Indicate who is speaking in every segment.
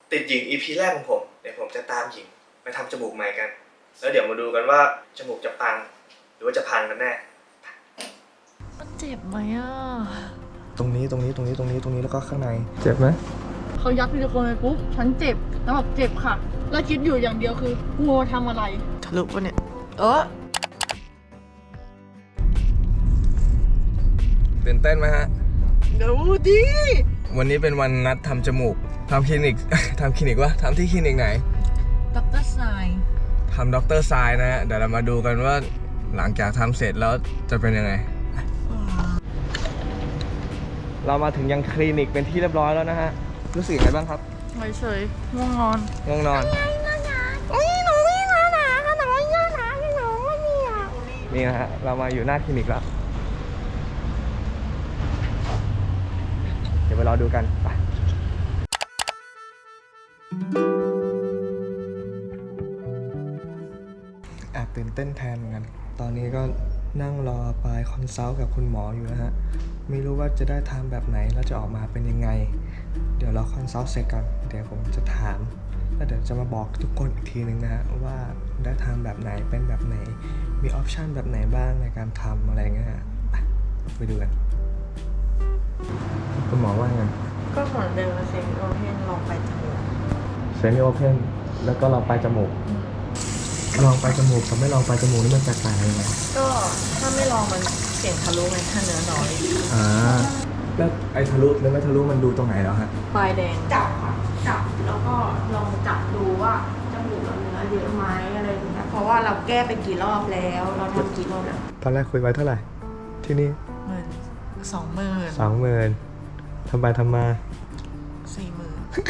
Speaker 1: ติดหญิง EP แรกของผมเดี๋ยวผมจะตามหญิงไปทำจมูกใหม่กันแล้วเดี๋ยวมาดูกันว่าจมูกจะปังหรือว่าจะพังกันแน่
Speaker 2: มันเจ็บไหมอ่ะ
Speaker 1: ตรงนี้แล้วก็ข้างในเจ็บไหม
Speaker 3: เขายัดซิลิโคนไปปุ๊บฉันเจ็บแล้วแบบเจ็บค่ะแล้วคิดอยู่อย่างเดียวคืองัวทำอะไร
Speaker 2: ทะลุปะเนี่ย
Speaker 1: ตื่นเต้นไหมฮะ
Speaker 3: ดูดิ
Speaker 1: วันนี้เป็นวันนัดทำจมูกทำคลินิก ทำคลินิกวะทำที่คลินิกไหน
Speaker 2: ดร.ทราย
Speaker 1: ทำดร.ทรายนะฮะเดี๋ยวเรามาดูกันว่าหลังจากทำเสร็จแล้วจะเป็นยังไงเรามาถึงยังคลินิกเป็นที่เรียบร้อยแล้วนะฮะรู้สึกยังไงบ้างครับ
Speaker 3: เฉยๆง่วงนอน
Speaker 1: ง่วงนอนนี่นะฮะเรามาอยู่หน้าคลินิกแล้วเดี๋ยวไปรอดูกันไปแอบตื่นเต้นแทนเหมือนกันตอนนี้ก็นั่งรอปลายคอนซัลท์กับคุณหมออยู่นะฮะไม่รู้ว่าจะได้ทำแบบไหนแล้วจะออกมาเป็นยังไงเดี๋ยวเราคอนซัลท์เสร็จกันเดี๋ยวผมจะถามแล้วเดี๋ยวจะมาบอกทุกคนอีกทีนึงนะฮะว่าได้ทำแบบไหนเป็นแบบไหนมีออปชันแบบไหนบ้างในการทำอะไรเงี้ยฮะไปดูกันคุณหมอว่าไง
Speaker 2: ก็เหมือนเดิมเซมิโอเพนลองไปจมูก
Speaker 1: เซมิโอเพนแล้วก็ลองไปจมูกลองไปจมูกกับไม่ลองไปจมูกนี่มันแตกต่างยังไง
Speaker 2: ก็ถ้าไม่ลองมันเสี่ยงทะลุไงถ้าเนื้อน้อย
Speaker 1: แล้วไอ้ทะลุหรือไม่ทะลุมันดูตรงไหนแล้วฮะ
Speaker 2: ปลายแดง
Speaker 3: จับค่ะจับแล้วก็ลองจับดูว่าจมูกเราเนื้อเยอะไหมอะไรอย่างเงี้ยเพราะว่าเราแก้ไปกี่รอบแล้วเราทำกี่รอบแล้ว
Speaker 1: ตอนแรกคุยไว้เท่าไหร่ที่นี่
Speaker 2: 20,000
Speaker 1: ทำไปทำมา
Speaker 2: 40,000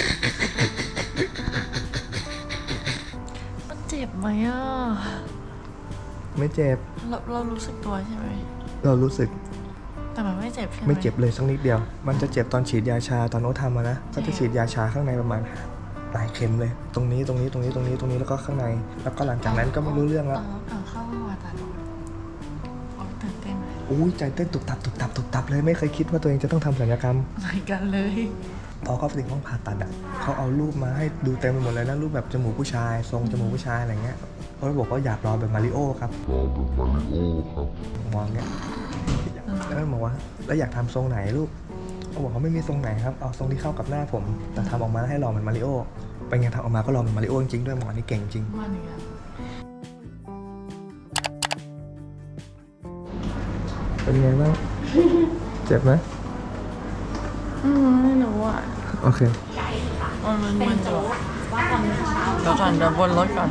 Speaker 2: มันเจ็บไหมอ่ะ
Speaker 1: ไม่เจ็บ
Speaker 2: เรารู้สึกตัวใช่ไหม
Speaker 1: เรารู้สึก
Speaker 2: แต่มันไม่เจ็บใช่ไหม
Speaker 1: ไม่เจ็บเลยสักนิดเดียวมันจะเจ็บตอนฉีดยาชาตอนโน้ตทำมานะก็จะฉีดยาชาข้างในประมาณปลายเข็มเลยตรงนี้แล้วก็ข้างในแล้วก็หลังจากนั้นก็ไม่รู้เรื่องแล้ว
Speaker 2: เข้ามาตัดตื่นเต้นไหม
Speaker 1: อุ้ยใจเต้นตุบตับเลยไม่เคยคิดว่าตัวเองจะต้องทำศัลยกรรม
Speaker 2: เหมือนกันเลย
Speaker 1: พอเข้าไปถึงห้องผ่าตัดอ่ะเขาเอารูปมาให้ดูเต็มไปหมดเลยนะรูปแบบจมูกผู้ชายทรงจมูกผู้ชายอะไรเงี้ยเขาบอกว่าอยากรอแบบมาริโอครับมองเงี้ยแล้วบอกว่าแล้วอยากทำทรงไหนลูกเขาบอกเขาไม่มีทรงไหนครับเอาทรงที่เข้ากับหน้าผมแต่ทำออกมาให้รอเหมือนมาริโอเป็นไงทำออกมาก็รอเหมือนมาริโอจริงๆด้วยหมอนี่เก่งจริงเป็นไงบ้างเจ็บไหม
Speaker 3: ไม่รู้อ่ะ
Speaker 1: โอเค
Speaker 2: มันจะเดี๋ยวก่อนเดี๋ยวบนรถก่อน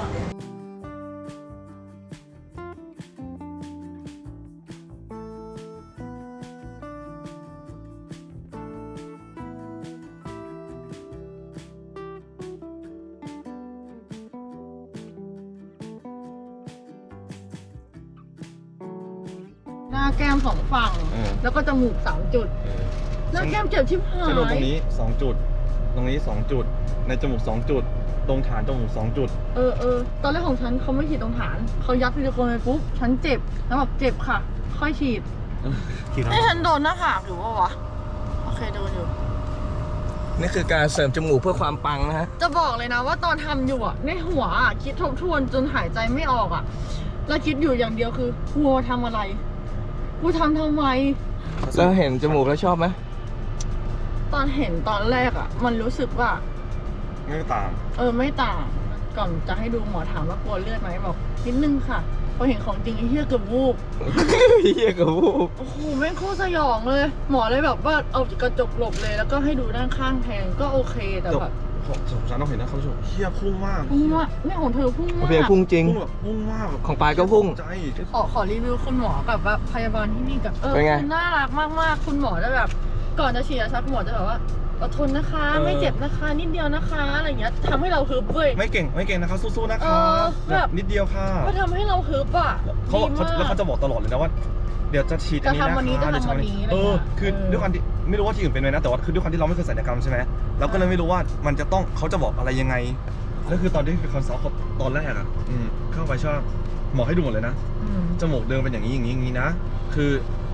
Speaker 3: หน้าแก้ม2 ฝั่งแล้วก็จมูก3 จุดหน้าแก้มเจ็บชิบหาย
Speaker 4: สรุปตรงนี้2 จุดตรงนี้2 จุดในจมูก2 จุดตรงฐานจมูก2 จุด
Speaker 3: ตอนแรกของฉันเขาไม่ฉีดตรงฐานเขายัดซิลิโคนไปปุ๊บฉันเจ็บแล้วแบบเจ็บค่ะค่อยฉีดให้ฉันโดนหน้าผากอยู่ปะวะโอเคโดนอยู่
Speaker 1: นี่คือการเสริมจมูกเพื่อความปังนะฮะ
Speaker 3: จะบอกเลยนะว่าตอนทำอยู่ในหัวคิดทบทวนจนหายใจไม่ออกแล้วคิดอยู่อย่างเดียวคือกูทำอะไรกูทำไม
Speaker 1: แล้วเห็นจมูกแล้วชอบไหม
Speaker 3: ตอนเห็นตอนแรกมันรู้สึกว่า
Speaker 4: ไม่ต่าง
Speaker 3: ไม่ต่างก่อนจะให้ดูหมอถามว่ากลัวเลือดไหมบอกนิดนึงค่ะพอเห็นของจริงไอ้เหี้ยเกือบวูบโอ้โหแม่งโคตรสยองเลยหมอเลยแบบว่าเอากระจกหลบเลยแล้วก็ให้ดูด้านข้างแทนก็โอเคแต่แบบ
Speaker 4: ของฉันต้องเห็นนะเขาชมเหี้ยพุ่งมาก
Speaker 3: ไม่ของเธอพุ่งมาก
Speaker 1: พุ่งจริง
Speaker 4: พุ่งมาก
Speaker 1: ของปลายก็พุ่ง
Speaker 3: ขอรีวิวคุณหมอกับว่าพยาบาลที่นี่กับคุณน่ารักมากๆคุณหมอจะแบบก่อนจะฉีดยาชาคุณหมอจะแบบว่าอดทนนะคะไม่เจ็บนะคะนิดเดียวนะคะอะไรอย่างเงี้ยทำให้เราฮึบเว้ย
Speaker 4: ไม่เก่งนะคะสู้ๆนะคะแบบนิดเดียวค่ะ
Speaker 3: ก็ทำให้เราฮึบ
Speaker 4: แล้วเขาจะบอกตลอดเลยนะว่าเดี๋ยวจะฉีดอันนี้นะคะคือด้วยความที่ไม่รู้ว่าที่อื่นเป็นไหมนะแต่ว่าคือด้วยความที่เราไม่เคยศัลยกรรมใช่ไหมเราก็เลยไม่รู้ว่ามันจะต้องเขาจะบอกอะไรยังไงแล้วคือตอนที่คอนซัลท์ตอนแรกเข้าไปชอบหมอให้ดูหมดเลยนะจมูกเดิมเป็นอย่างนี้นะคือ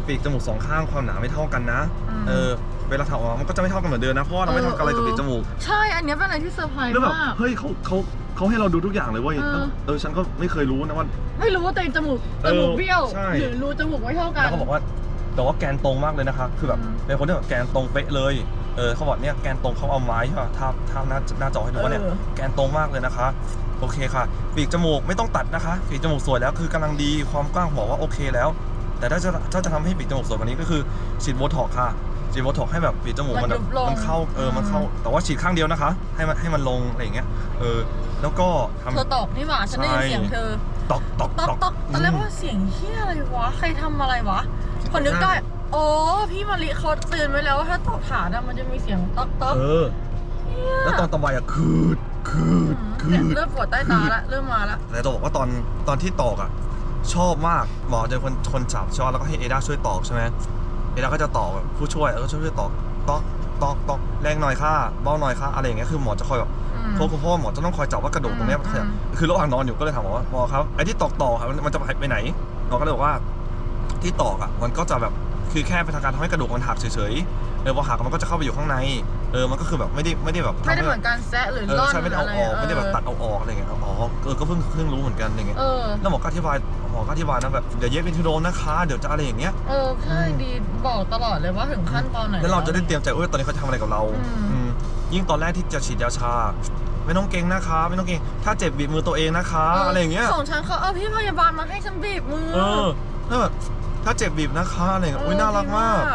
Speaker 4: ปีกจมูกสองข้างความหนาไม่เท่ากันนะเวลาถอดออกมามันก็จะไม่เท่ากันเหมือนเดิมนะเพราะว่าเราไม่ทำอะไรกับปีกจมูก
Speaker 3: ใช่อันนี้เป็นอะไรที่เซอร์ไพรส์
Speaker 4: แล้วแบบ
Speaker 3: มาก
Speaker 4: เฮ้ยเขาให้เราดูทุกอย่างเลยเว้ยฉันก็ไม่เคยรู้นะว่า
Speaker 3: ไม่รู้ว่าตัวเองจมูกเบี้ยวหรือรูจมูกไม่เท่ากัน
Speaker 4: แล้วเขาบอกว่าแต่ว่าแกนตรงมากเลยนะคะคือแบบเป็นคนที่แบบแกนตรงเป๊ะเลยเขาบอกเนี่ยแกนตรงเขาเอาไม้ใช่ป่ะทาหน้าจอให้ดูว่าเนี่ยแกนตรงมากเลยนะคะโอเคค่ะปีกจมูกไม่ต้องตัดนะคะปีกจมูกสวยแล้วคือกำลังดีความกว้างบอกว่าโอเคแล้วแต่ถ้าจะทำให้ปีกจมูกสวยกว่านี้ก็คือฉีดโบท็อกซ์ค่ะฉีดโบท็อกซ์ให้แบบปีกจมูกมันเข้ามันเข้าแต่ว่าฉีดข้างเดียวนะคะให้มันลงอะไรอย่างเงี้ยแล้วก็ทำ
Speaker 3: เธอตอกนี่หว่าฉันได้ยินเสียงเธอ
Speaker 4: ตอก
Speaker 3: ตอนแรกว่าเสียงเฮียอะไรวะใครทำอะไรวะคนนึกได้โอ้พี่มาริเขาเตือนไว้แล้วว่าถ้าตอกฐานมันจะมีเสียงตอก
Speaker 4: แล้วตอนต่อไปคืด
Speaker 3: เริ่มปวดใต้ตาละเริ่มมาละ
Speaker 4: แต่จะบอกว่าตอนที่ตอกชอบมากหมอจะคนจับชอบแล้วก็ให้เอด้าช่วยตอกใช่ไหมเอด้าก็จะตอกแบบผู้ช่วยแล้วก็ช่วยตอกแรงหน่อยค่ะเบาหน่อยค่ะอะไรอย่างเงี้ยคือหมอจะคอยแบบเพราะหมอจะต้องคอยจับว่ากระดูกตรงนี้มันคือระหว่างนอนอยู่ก็เลยถามหมอครับไอ้ที่ตอกครับมันจะไปไหนหมอก็เลยบอกว่าที่ตอกมันก็จะแบบคือแค่เป็นการทำให้กระดูกมันหักเฉยๆพอหักมันก็จะเข้าไปอยู่ข้างในมันก็คือแบบไม่ได้แบบ
Speaker 3: ไม่ได้เหมือนการแซะหรือล่อน
Speaker 4: ใช่ไม่ได้เอาออกไม่ได้แบบตัดเอาออกอะไรเงี้ยก็เพิ่งรู้เหมือนกันอะไรเงี้ยแล้วหมอก็อธิบายนะแบบเดี๋ยวเย็บเป็นทูโดนนะคะเดี๋ยวจะอะไรอย่างเงี้ย
Speaker 3: ใช่ดีบอกตลอดเลยว่าถึงขั้นตอนไหน
Speaker 4: แล้วเราจะได้เตรียมใจตอนนี้เขาจะทำอะไรกับเรายิ่งตอนแรกที่จะฉีดยาชาไม่ต้องเก่งนะคะไม่ต้องเก่งถ้าเจ็บบีบมือตัวเองนะคะอะไรอย่างเงี้ย
Speaker 3: ส่งฉันเขาพี่พยาบาลมาให้ฉันบีบมือ
Speaker 4: แล้วแบบถ้าเจ็บบีบนะคะอะไรเงี้ยน่ารักมาก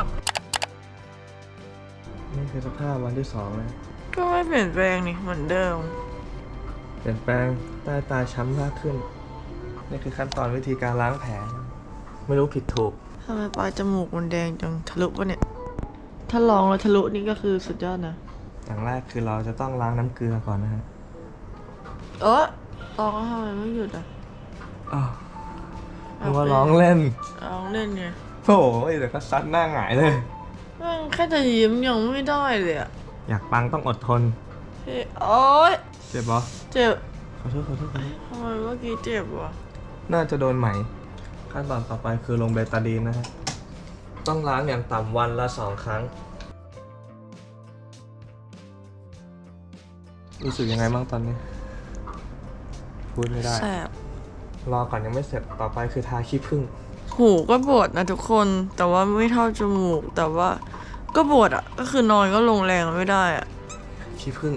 Speaker 1: นี่คือสภาพวันที่2นะ
Speaker 2: ก็ไม่เปลี่ยนแปลงนี่เหมือนเดิม
Speaker 1: เปลี่ยนแปลงใต้ตาช้ำมากขึ้นนี่คือขั้นตอนวิธีการล้างแผลไม่รู้ผิดถูก
Speaker 2: ทำไมปลายจมูกมันแดงจังทะลุปะเนี่ยถ้าลองแล้วทะลุนี่ก็คือสุดยอดนะ
Speaker 1: อย่างแรกคือเราจะต้องล้างน้ำเกลือก่อนนะฮะ
Speaker 2: ลองทำไมไม่หยุด
Speaker 1: นึกว่าร้องเล่น
Speaker 2: ไง
Speaker 1: โอ้ยเดี๋ยวก็ซัดหน้าหงายเลย
Speaker 2: แค่จะยิ้มยังไม่ได้เลย
Speaker 1: อยากปังต้องอดทน
Speaker 2: โอ๊ย
Speaker 1: เจ็บปะ
Speaker 2: เจ็บ
Speaker 1: ขอโทษ
Speaker 2: ทำไมเมื่อกี้เจ็บวะ
Speaker 1: น่าจะโดนไหมขั้นตอนต่อไปคือลงเบตาดีนนะฮะต้องล้างอย่างต่ำวันละ2 ครั้งรู้สึกยังไงบ้างตอนนี้พูดไม่ได้
Speaker 2: แสบ
Speaker 1: รอก่อนยังไม่เสร็จต่อไปคือทาขี้ผึ้ง
Speaker 2: หูก็ปวดนะทุกคนแต่ว่าไม่เท่าจมูกแต่ว่าก็ปวดก็คือนอนก็ลงแรงไม่ได้
Speaker 1: ขี้ผึ้ง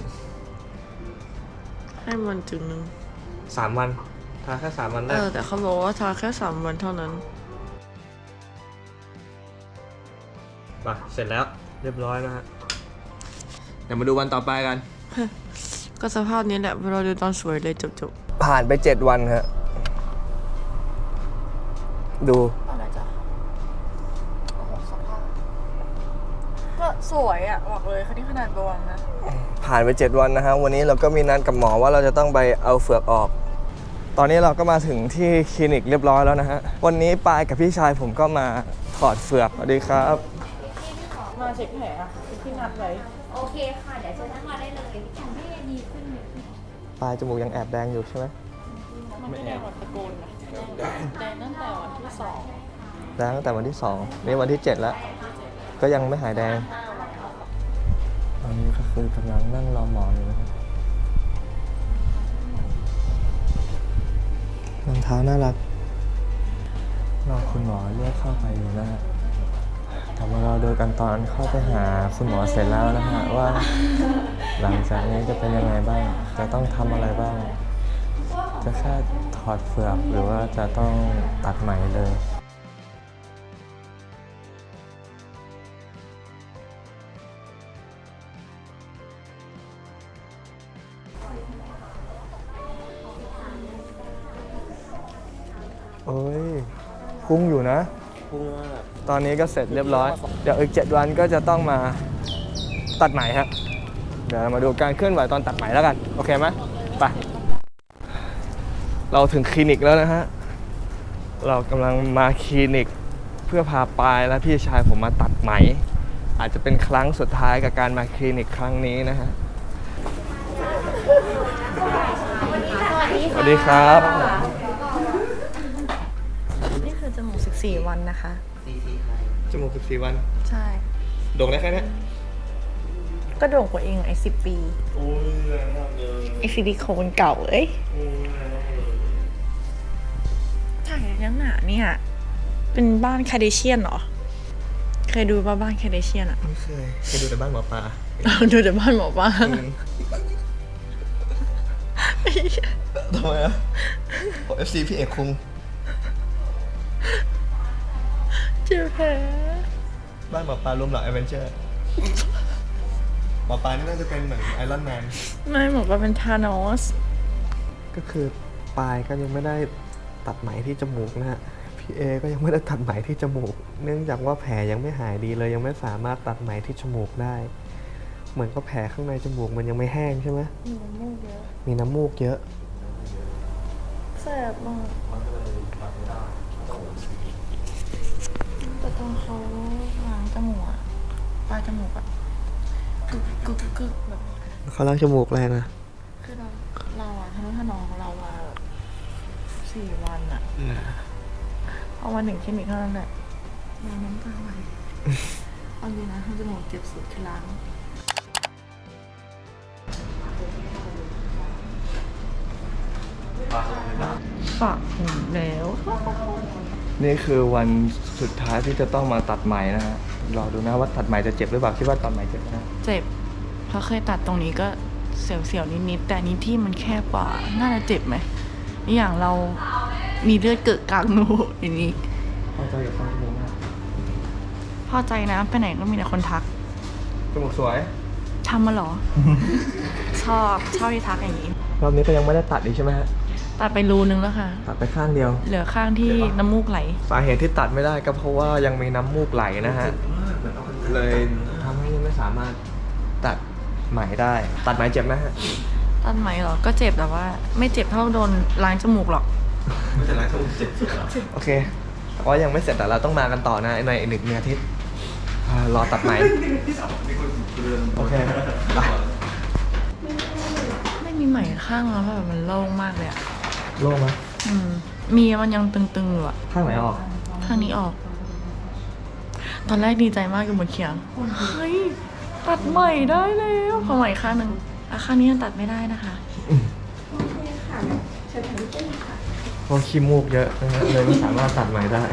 Speaker 2: ให้มันถึง
Speaker 1: 3 วันทาแค่3 วันได้
Speaker 2: แต่เขาบอกว่าทาแค่3 วันเท่านั้น
Speaker 1: เสร็จแล้วเรียบร้อยนะฮะเดี๋ยวมาดูวันต่อไปกัน
Speaker 2: ก็สภาพนี้แหละเราดูตอนสวยเลยจบ
Speaker 1: ผ่านไป7 วันฮะดู
Speaker 3: อะไรจ้ะสภาพก็สวยบอกเลยคันนี้ขนาดบวมนะ
Speaker 1: ผ่านไป7 วันนะฮะวันนี้เราก็มีนัดกับหมอว่าเราจะต้องไปเอาเฟือกออกตอนนี้เราก็มาถึงที่คลินิกเรียบร้อยแล้วนะฮะวันนี้ปายกับพี่ชายผมก็มาถอดเฟือกสวัสดีครับ
Speaker 3: มาเช็คแผลที่นัดไว้
Speaker 5: โอเคค่ะเดี๋ยวเชิญนั่งมาได้เลยยังไม่ดีขึ้นเลย
Speaker 1: ปลายจมูกยังแอบแดงอยู่ใช่ไหม
Speaker 3: มันไม่แดงแบบตะโกนนะแดงตั้งแต่วันที่2
Speaker 1: แดงตั้งแต่วันที่2นี่วันที่7แล้วก็ยังไม่หายแดงตอนนี้ก็คือกำลังนั่งรอหมออยู่นะครับรองเท้าน่ารักรอคุณหมอเรียกเข้าไปอยู่นะฮะแต่ว่าเราดูกันตอนเข้าไปหาคุณหมอเสร็จแล้วนะฮะว่าหลังจากนี้จะเป็นยังไงบ้างจะต้องทำอะไรบ้างจะแค่ถอดเฟือกหรือว่าจะต้องตัดไหมเลยโอ้ยพุ่งอยู่นะพุ่งมากตอนนี้ก็เสร็จเรียบร้อยเดี๋ยวอีก7 วันก็จะต้องมาตัดไหมฮะเดี๋ยวเรามาดูการเคลื่อนไหวตอนตัดไหมแล้วกันโอเคไหมไปเราถึงคลินิกแล้วนะฮะเรากำลังมาคลินิกเพื่อพาปายและพี่ชายผมมาตัดไหมอาจจะเป็นครั้งสุดท้ายกับการมาคลินิกครั้งนี้นะฮะสวัสดีครับ
Speaker 3: นี่คือจมูก14 วันนะคะ
Speaker 1: จมูก14 วัน
Speaker 2: ใช่
Speaker 1: โด่งได้แค่เนี้ย
Speaker 2: ก็โด่งกว่าเองไอ้10 ปี
Speaker 1: โอ้ยแรงมากเลย
Speaker 2: ไอ้ซิลิโคนเก่าเอ้ย
Speaker 1: โอ้ยแรงมากเลย
Speaker 2: ถ่ายนังหนาเนี่ย เป็นบ้านคาเดเชียนเหรอ เคยดูป่ะบ้านคาเดเชียนอะ
Speaker 1: ไม่เคยดูแต่บ้านหมอปลา
Speaker 2: ดูแต่บ้านหมอป้า
Speaker 1: ทำไมอ่ะผม FC พี่เอกคุง
Speaker 2: เจ็บแผล
Speaker 1: บ้านหมอปลารวมเหล่าแอดเวนเจอร์หมอปลานี่น่าจะเป็นเหมือนไอรอนแมน
Speaker 2: ไม่หมอป้าเป็นธานอส
Speaker 1: ก็คือปลายก็ยังไม่ได้ตัดไหมที่จมูกนะฮะ พี่เอก็ยังไม่ได้ตัดไหมที่จมูก เนื่องจากว่าแผลยังไม่หายดีเลยยังไม่สามารถตัดไหมที่จมูกได้ เหมือนกับแผลข้างในจมูกมันยังไม่แห้งใช่ไหมมีน้ำมูกเยอะ
Speaker 2: แสบมากแต่ตอนเขาล้างจมูกอะปลายจมูกอะกึกกึกกึกแบบ
Speaker 1: เขาล้างจมูกแรงนะ
Speaker 2: คือเราอะทะนุถนอมของเรามาแบบ4 วันอะพอมาถึงคลินิกเท่านั้นแหละเราน้ำตาไหลเอาจริงนะทำจมูกเจ็บสุดคือล้างฝากหูแล้ว
Speaker 1: นี่คือวันสุดท้ายที่จะต้องมาตัดไหมนะฮะ รอดูนะว่าตัดไหมจะเจ็บหรือเปล่า คิดว่าตัดไหมเจ็บนะ
Speaker 2: เจ็บเพราะเคยตัดตรงนี้ก็เสียวๆนิดๆแต่อันนี้ที่มันแคบกว่าน่าจะเจ็บไหมนี่อย่างเรามีเลือดเกิดกลางหูอย่างนี้
Speaker 1: พอใจกับฟันจมูกนะ
Speaker 2: พอใจนะไปไหนก็มีแต่คนทัก
Speaker 1: จมูกสวย
Speaker 2: ทำมาเหรอ ชอบที่ทักอย่างนี้
Speaker 1: รอบนี้ก็ยังไม่ได้ตัดอีกใช่ไหมฮะ
Speaker 2: ตัดไปรูนึงแล้วค่ะ
Speaker 1: ตัดไปข้างเดียว
Speaker 2: เหลือข้างที่น้ำมูกไหล
Speaker 1: สาเหตุที่ตัดไม่ได้ก็เพราะว่ายังมีน้ำมูกไหลนะฮะ เลยทำให้ไม่สามารถตัดไหมได้ ตัดไหมเจ็บไหมฮะ
Speaker 2: ตัดไหมเหรอ ก็เจ็บแต่ว่า ไม่เจ็บเท่าโดนล้างจมูกหรอก
Speaker 1: ไม่เป็นไรครับเจ็บโอเค แต่ว่ายังไม่เสร็จแต่เราต้องมากันต่อนะในอีก1 อาทิตย์รอตัดไหมโอเคไป
Speaker 2: ไม่มีไหมข้างแล้วแบบมันโล่งมากเลยอะ
Speaker 1: โล่งไหม
Speaker 2: มีมันยังตึงๆอยู่อะ
Speaker 1: ข้างไหนออก
Speaker 2: ข้างนี้ออก ตอนแรกดีใจมากอยู่บนเขียง เฮ้ย ตัดใหม่ได้แล้วขอใหม่ข้างหนึ่งข้างนี้ยังตัดไม่ได้นะคะ
Speaker 1: เพราะขี้มูกเยอะนะฮะเลยไม่สามารถตัดไหมได้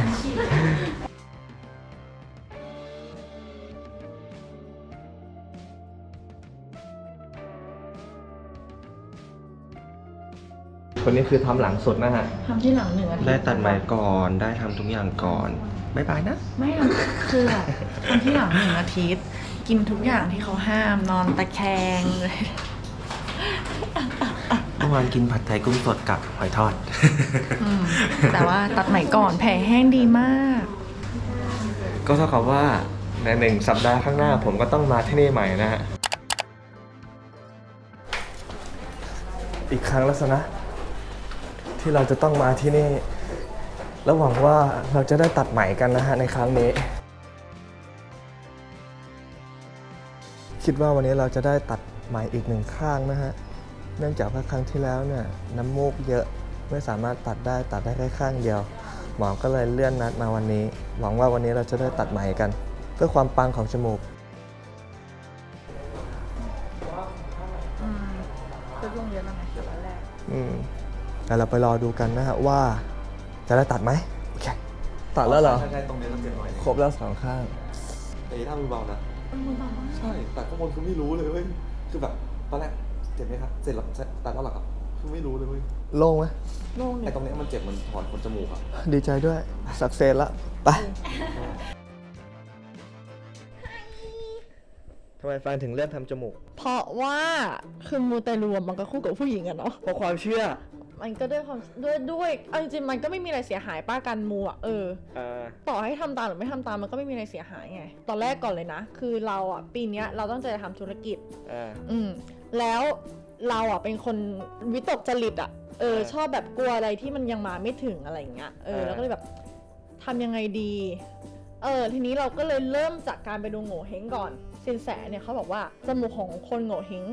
Speaker 1: คนนี้คือทำหลังสุดนะฮะ
Speaker 2: ทำที่หลัง1 อาทิตย์
Speaker 6: ได้ตัดไหมก่อน ได้ทำทุกอย่างก่อนบ๊ายบายนะ
Speaker 2: ไม่ทำคือแบบทำที่หลัง1 อาทิตย์ กินทุกอย่างที่เขาห้าม นอนตะแคงเลย
Speaker 6: เมื่อวานกินผัดไทยกุ้งสดกับหอยทอด
Speaker 2: แต่ว่าตัดไหมก่อนแผลแห้งดีมาก
Speaker 1: ก็เท่ากับว่าใน1 สัปดาห์ข้างหน้าผมก็ต้องมาที่นี่ใหม่นะฮะ อีกครั้งแล้วสินะ ที่เราจะต้องมาที่นี่ แล้วหวังว่าเราจะได้ตัดไหมกันนะฮะในครั้งนี้ คิดว่าวันนี้เราจะได้ตัดไหมอีก1 ข้างนะฮะ เนื่องจากว่าครั้งที่แล้วเนี่ยน้ำมูกเยอะไม่สามารถตัดได้แค่ข้างเดียว หมอก็เลยเลื่อนนัดมาวันนี้ หวังว่าวันนี้เราจะได้ตัดไหมกัน เพื่อความปังของจมูก
Speaker 2: ก็ร่วงเยอะแล้วไงแต่วันแรก
Speaker 1: แต่เราไปรอดูกันนะฮะว่าจะได้ตัดไหมโอเค ตัดแล้วเหรอ
Speaker 4: ใช่ตรงนี้ต้องเจ็บหน่อย
Speaker 1: ครบแล้ว2 ข้าง
Speaker 4: แต่ถ้ามือเบานะใช่แต่ข้างบนคือไม่รู้เลยเว้ยคือแบบตอนแรกเจ็บไหมครับเสร็จแล้วตัดแล้วหรอครับคือไม่รู้เลยเว้ย
Speaker 1: โล่งไหม
Speaker 2: โล่ง
Speaker 4: ไอ้ตรงเนี้ยมันเจ็บเหมันถอนขนจมูกอะ
Speaker 1: ดีใจด้วย สักเซนละ ไปทำไมฟันถึงเลือกทำจมูก
Speaker 2: เพราะว่าคือมูเตลูมันก็คู่กับผู้หญิงอะเนาะ
Speaker 1: เพราะความเชื่อ
Speaker 2: มันก็ด้วยความด้วยเอาจริงๆมันก็ไม่มีอะไรเสียหายป้ากันมูอะต่อให้ทำตามหรือไม่ทำตามมันก็ไม่มีอะไรเสียหายไง ตอนแรกก่อนเลยนะ คือเราอะปีเนี้ยเราตั้งใจจะทำธุรกิจ แล้วเราอะเป็นคนวิตกจริตอะชอบแบบกลัวอะไรที่มันยังมาไม่ถึงอะไรอย่างเงี้ยแล้วก็เลยแบบทำยังไงดีทีนี้เราก็เลยเริ่มจากการไปดูโง่เฮงก่อนสินแสเนี่ยเขาบอกว่าจมูกของคนโง่เฮง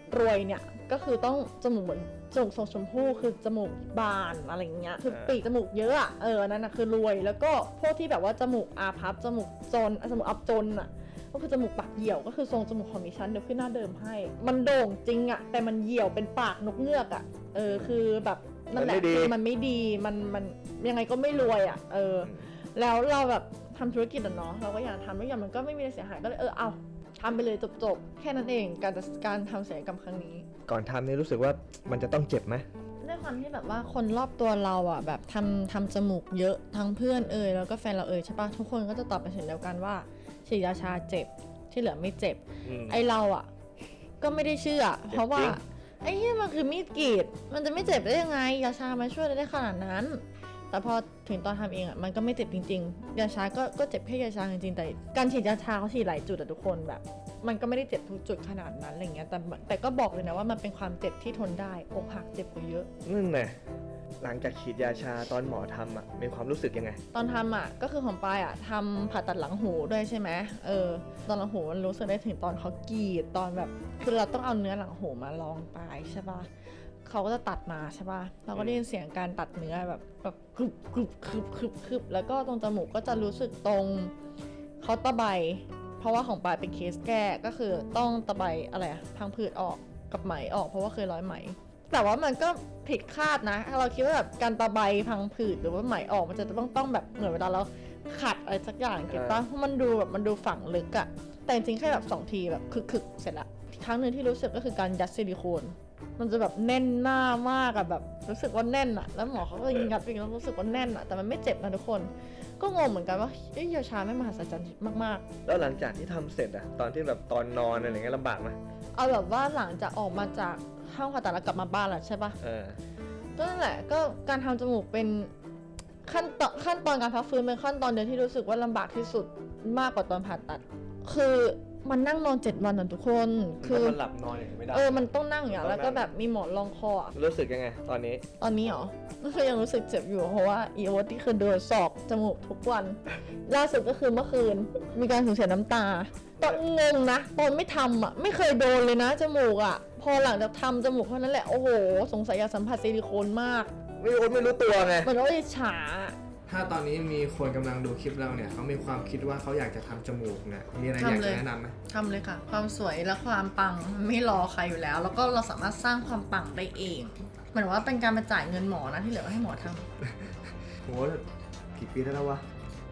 Speaker 2: รวยเนี่ยก็คือต้องจมูกเหมือนจมูกทรงชมพู่คือจมูกบานอะไรอย่างเงี้ยคือปีกจมูกเยอะอะนั่นนะคือรวยแล้วก็พวกที่แบบว่าจมูกอาพับจมูกจนจมูกอับจนอะก็คือจมูกปากเหี่ยวก็คือทรงจมูกของดิฉันเดี๋ยวขึ้นหน้าเดิมให้มันโด่งจริงอะแต่มันเหี่ยวเป็นปากนกเงือกอะคือแบบนั่นแหละคือมันไม่ดีมันยังไงก็ไม่รวยอะแล้วเราแบบทำธุรกิจอะเนาะเราก็อยากทำแล้วอย่างมันก็ไม่มีอะไรเสียหายก็เลยเอาทำไปเลยจบๆแค่นั้นเองการทำศัลยกรรมครั้งนี้
Speaker 1: ก่อนทำนี่รู้สึกว่ามันจะต้องเจ็บไหม
Speaker 2: ด้วยความที่แบบว่าคนรอบตัวเราอ่ะแบบทำจมูกเยอะทั้งเพื่อนแล้วก็แฟนเราใช่ปะทุกคนก็จะตอบเป็นเสียงเดียวกันว่าฉีดยาชาเจ็บที่เหลือไม่เจ็บไอเราอ่ะก็ไม่ได้เชื่อเพราะว่าไอ้ที่มันคือมีดกรีดมันจะไม่เจ็บได้ยังไงยาชามาช่วยได้ขนาดนั้นแต่พอถึงตอนทำเองอ่ะมันก็ไม่เจ็บจริงๆยาชาก็เจ็บแค่ยาชาจริงๆแต่การฉีดยาชาเขาฉีดหลายจุดอะทุกคนแบบมันก็ไม่ได้เจ็บทุกจุดขนาดนั้นอะไรเงี้ยแต่ก็บอกเลยนะว่ามันเป็นความเจ็บที่ทนได้อกหักเจ็บกว่าเยอะ
Speaker 1: นั่นแหละหลังจากฉีดยาชาตอนหมอทำมีความรู้สึกยังไง
Speaker 2: ตอนทำอ่ะก็คือของปายอ่ะทำผ่าตัดหลังหูด้วยใช่ไหมตอนหลังหูมันรู้สึกได้ถึงตอนเขากรีดตอนแบบคือเราต้องเอาเนื้อหลังหูมาลองปลายใช่ปะเขาก็จะตัดมาใช่ปะเราก็ได้ยินเสียงการตัดเนื้อแบบคึบแล้วก็ตรงจมูกก็จะรู้สึกตรงเขาตะไบเพราะว่าของปายเป็นเคสแก้ก็คือต้องตะไบอะไรอะพังผืดออกกับไหมออกเพราะว่าเคยร้อยไหมแต่ว่ามันก็ผิดคาดนะเราคิดว่าแบบการตะไบพังผืดหรือว่าไหมออกมันจะต้องแบบเหมือนเวลาเราขัดอะไรสักอย่างเก็บป่ะเพราะมันดูแบบมันดูฝังลึกอะแต่จริงๆแค่แบบ2 ทีแบบคึกเสร็จละครั้งหนึ่งที่รู้สึกก็คือการยัดซิลิโคนมันจะแบบแน่นหน้ามากอะแบบรู้สึกว่าแน่นอะแล้วหมอเขาก็ยัดไปแล้วรู้สึกว่าแน่นอะแต่มันไม่เจ็บนะทุกคนก็งงเหมือนกันว่ายาชาไม่มหัศจรรย์มากๆ
Speaker 1: แล้วหลังจากที่ทำเสร็จตอนที่แบบตอนนอนอะไรเงี้ยลำบากไหม
Speaker 2: เอาแบบว่าหลังจากออกมาจากห้องผ่าตัดแล้วกลับมาบ้านแล้วใช่ปะก็นั่นแหละก็การทำจมูกเป็นขั้นตอนการพักฟื้นเป็นขั้นตอนเดียวที่รู้สึกว่าลำบากที่สุดมากกว่าตอนผ่าตัดคือมันนั่งนอน7 วันนะทุกคนคือ
Speaker 1: มันหลับนอนอย่างนี้ไม่ได้
Speaker 2: มันต้องนั่งอย่างแล้วก็แบบมีหมอนรองคออะ
Speaker 1: รู้สึกยังไงตอนนี้
Speaker 2: ตอนนี้เหรอก็คือยังรู้สึกเจ็บอยู่เพราะว่าอีโอตที่คือโดนสอบจมูกทุกวันล่าสุดก็คือเมื่อคืนมีการสูญเสียน้ำตาตอนงงนะตอนไม่ทำอ่ะไม่เคยโดนเลยนะจมูกอ่ะพอหลังจากทำจมูกเท่านั้นแหละโอ้โหสงสัยอยากสัมผัสซิลิโคนมาก
Speaker 1: ไม่รู้ตัวไง
Speaker 2: มันก็เลยฉา
Speaker 1: ถ้าตอนนี้มีคนกำลังดูคลิปเราเนี่ยเขามีความคิดว่าเขาอยากจะทำจมูกเนี่ยมีอะไรอยากจะแนะนำไหม
Speaker 3: ทำเลยค่ะความสวยและความปังไม่รอใครอยู่แล้วแล้วก็เราสามารถสร้างความปังได้เองเหมือนว่าเป็นการมาจ่ายเงินหมอนะที่เหลือก็ให้หมอทำ
Speaker 1: โหกี่ปีได้แล้ววะ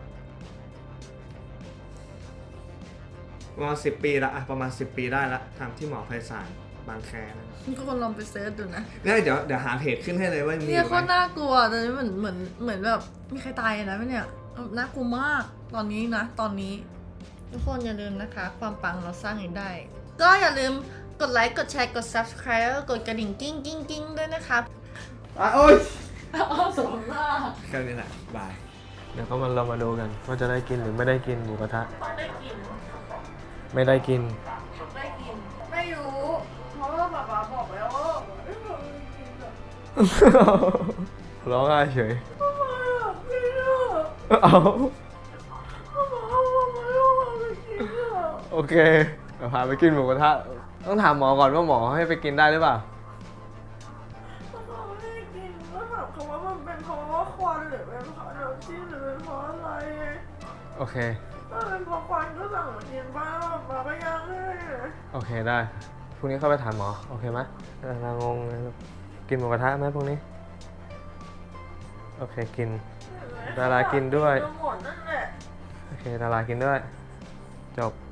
Speaker 1: ประมาณ10 ปีละประมาณ10 ปีได้ละทำที่หมอไพศาลบางแคนะ
Speaker 3: ทุกคนลองไปเซิร์ชดูนะ
Speaker 1: เดี๋ยวหาเพจขึ้นให้เลยว่ามี
Speaker 3: เนี่ย
Speaker 1: ไห
Speaker 3: โค
Speaker 1: ม
Speaker 3: ตรน่ากลัวตอนนี้เหมือนแบบมีใครตายนะเนี่ยน่ากลัวมากตอนนี้นะตอนนี้ทุกคนอย่าลืมนะคะความปังเราสร้างเองได้ ก็อย่าลืมกดไลค์กดแชร์กด subscribe แล้วก็กดกระดิ่งกิ้งด้วยนะครับ
Speaker 1: โอ๊ย
Speaker 3: สมมาก
Speaker 1: แค่นี้แหละบายเดี๋ยวเรามาดูกันว่าจะได้กินหรือไม่ได้กินหมูกระทะ
Speaker 3: ได้กิน
Speaker 1: ไม่ได้กิน
Speaker 3: ได้กินไม่รู้เพราะว่าป๊าป๊าบอกแล้วว่าไม่เคยกินอะ
Speaker 1: ร้องไห้เฉย
Speaker 3: ทำไมอะพี่อะ
Speaker 1: เอา
Speaker 3: ป๊าป๊าบอกไม่ให้เราไปกินอะ
Speaker 1: โอเคเดี๋ยวพาไปกินหมูกระทะต้องถามหมอก่อนว่าหมอให้ไปกินได้หรือเปล่า
Speaker 3: ป๊าป๊าไม่ได้กินก็ถามเขาว่ามันเป็นเพราะว่าควันหรือเป็นเพราะน้ำจิ้มหรือเป็นเพราะอะไรไง
Speaker 1: โอเค
Speaker 3: ถ้าเป็นเพราะควันก็สั่งมากินบ้างป๊าก็ยังให้
Speaker 1: โอเคได้พรุ่งนี้เข้าไปถามหมอโอเคไหมนางงเลยกินหมูกระทะไหมพรุ่งนี้โอเคกิน ดารากินด้วย
Speaker 3: หมดนั่นแหละ
Speaker 1: โอเคดารากินด้วยจบ